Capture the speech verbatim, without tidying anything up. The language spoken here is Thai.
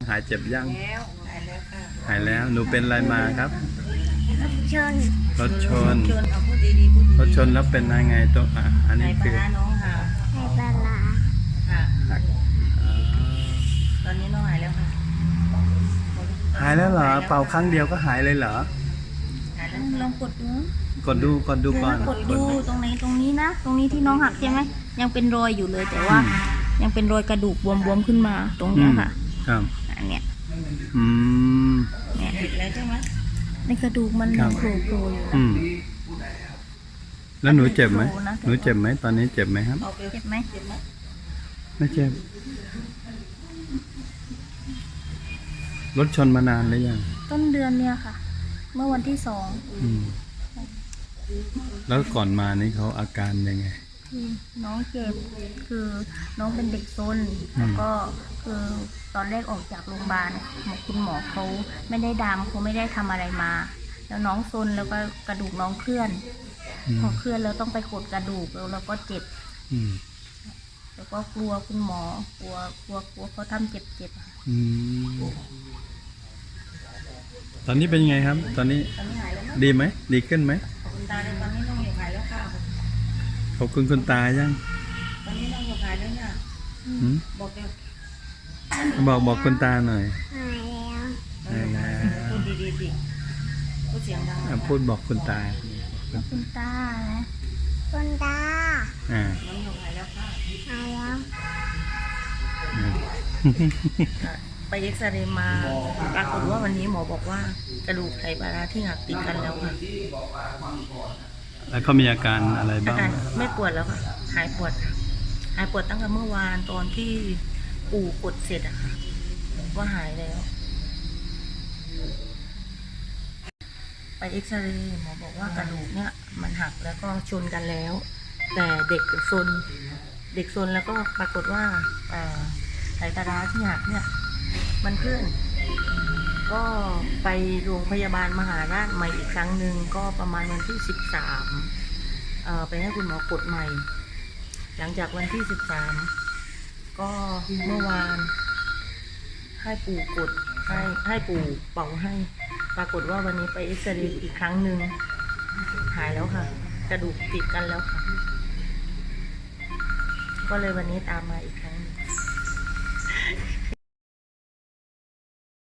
หายเจ็บยังแล้วหายแล้วค่ะหายแล้วหนูเป็นอะไรมาครับรถชนรถชนชนเอาพูดดีๆพูดดีๆรถชนแล้วเป็นยังไงตัวอ่ะอันนี้คือไข่ปลาน้องค่ะไข่ปลาร้าค่ะอ่าตอนนี้น้องหายแล้วค่ะหายแล้วเหรอเป่าครั้งเดียวก็หายเลยเหรอหายแล้วลองกดดูกดดูกดดูก่อนกดดูตรงไหนตรงนี้นะ ตรงนี้ที่น้องหักใช่ไหมยังเป็นรอยอยู่เลยแต่ว่า ยังเป็นรอยกระดูกบวมๆขึ้นมาตรงเนี้ยค่ะครับอันเนี้ยอืมเนี่ยผิดแล้วใช่ไหมในกระดูกมันครับโผล่โผล่อยู่อืมแล้วหนูเจ็บไหมโผล่นะหนูเจ็บไหมตอนนี้เจ็บไหมครับเอาไปเจ็บไหมเจ็บไหมไม่เจ็บรถชนมานานหรือยังต้นเดือนเนี่ยค่ะ เมื่อวันที่สองอืมแล้วก่อนมานี่เขาอาการยังไงคือน้องเจ็บคือน้องเป็นเด็กซนอืมแล้วก็คือตอนแรกออกจากโรงพยาบาลหมอคุณหมอเขาไม่ได้ดามเขาไม่ได้ทำอะไรมา แล้วน้องซนแล้วก็กระดูกน้องเคลื่อนอืมพอเคลื่อนแล้วต้องไปกดกระดูกแล้วเราก็เจ็บอืมแล้วก็กลัวคุณหมอกลัวกลัวกลัวเขาทำเจ็บเจ็บๆอะค่ะอืมตอนนี้เป็นยังไงครับ ตอนนี้ตอนนี้หายแล้วไหมดีไหมดีขึ้นไหมขอบคุณตาเลยตอนนี้น้องอยู่หายแล้วค่ะขอบคุณคุณตายังตอนนี้น้องอยู่หายแล้วเนี่ยหืมบอกเลยบอกบอกคุณตาหน่อยหายแล้วหายแล้วพูดดีๆดิพูดเสียงดังอ่ะพูดบอกคุณตาคุณตานะคุณตาอ่าน้องอยู่หายแล้วค่ะหายแล้วไปเอ็กซเรย์มาปรากฏว่าวันนี้หมอบอกว่ากระดูกไขปลาร้าที่หักติดกันแล้วค่ะแล้วเขามีอาการอะไรอาบ้างการไม่ปวดแล้วค่ะหายปวดค่ะหายปวดตั้งแต่เมื่อวานตอนที่ปู่กดเสร็จอะค่ะว่าหายแล้ว ไปเอ็กซเรย์หมอบอกว่ากระดูกเนี่ยมันหักแล้วก็ชนกันแล้ว แต่เด็กซนเด็กซนแล้วก็ปรากฏว่าอ่าไขปลาร้าที่หักเนี่ยมันเคลื่อน ก็ไปโรงพยาบาลมหาราชใหม่อีกครั้งหนึ่งก็ประมาณวันที่สิบสามเอ่อไปให้คุณหมอกดใหม่ หลังจากวันที่สิบสามก็เมื่อวานให้ปู่กดให้ให้ปู่เป่าให้ ปรากฏว่าวันนี้ไปเอ็กซเรย์อีกครั้งหนึ่งหายแล้วค่ะ กระดูกติดกันแล้วค่ะ ก็เลยวันนี้ตามมาอีกครั้งหนึ่ง